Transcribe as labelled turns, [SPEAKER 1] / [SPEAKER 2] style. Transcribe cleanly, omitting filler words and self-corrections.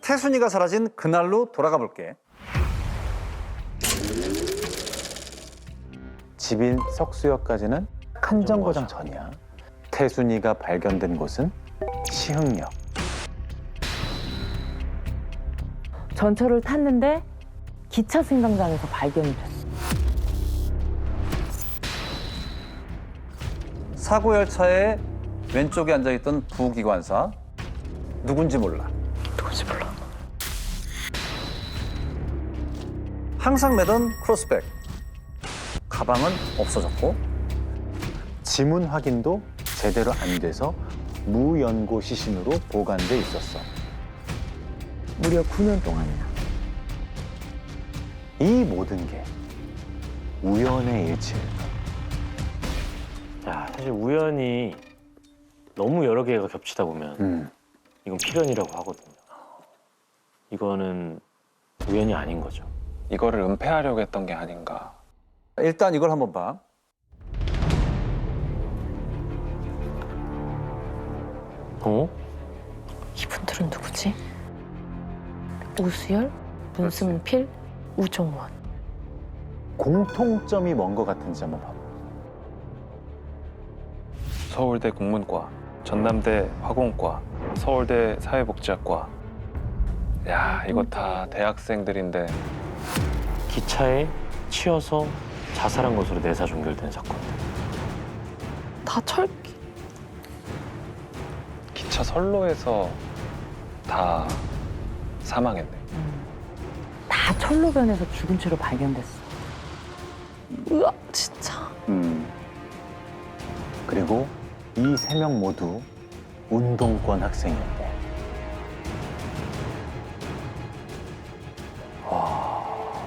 [SPEAKER 1] 태순이가 사라진 그날로 돌아가 볼게.
[SPEAKER 2] 집인 석수역까지는 한 정거장 전이야. 태순이가 발견된 곳은 시흥역.
[SPEAKER 3] 전철을 탔는데 기차 승강장에서 발견이 됐어.
[SPEAKER 1] 사고 열차의 왼쪽에 앉아있던 부기관사. 누군지 몰라.
[SPEAKER 3] 누군지 몰라.
[SPEAKER 1] 항상 매던 크로스백. 가방은 없어졌고
[SPEAKER 2] 지문 확인도 제대로 안 돼서 무연고 시신으로 보관돼 있었어.
[SPEAKER 3] 무려 9년 동안이나.
[SPEAKER 2] 이 모든 게 우연의 일치일까?
[SPEAKER 4] 야, 사실 우연이 너무 여러 개가 겹치다 보면 이건 필연이라고 하거든요. 이거는 우연이 아닌 거죠.
[SPEAKER 5] 이거를 은폐하려고 했던 게 아닌가.
[SPEAKER 1] 일단 이걸 한번 봐.
[SPEAKER 4] 어?
[SPEAKER 6] 이분들은 누구지? 오수열, 문승필, 우종원.
[SPEAKER 2] 공통점이 뭔 것 같은지 한번 봐봐.
[SPEAKER 5] 서울대 국문과, 전남대 화공과, 서울대 사회복지학과. 야, 이거 다 대학생들인데
[SPEAKER 4] 기차에 치여서 자살한 것으로 내사 종결된 사건들.
[SPEAKER 6] 다 철기.
[SPEAKER 5] 기차 선로에서 다 사망했네.
[SPEAKER 3] 다 철로변에서 죽은 채로 발견됐어.
[SPEAKER 6] 으아, 진짜.
[SPEAKER 2] 그리고 이 세 명 모두 운동권 학생이었다.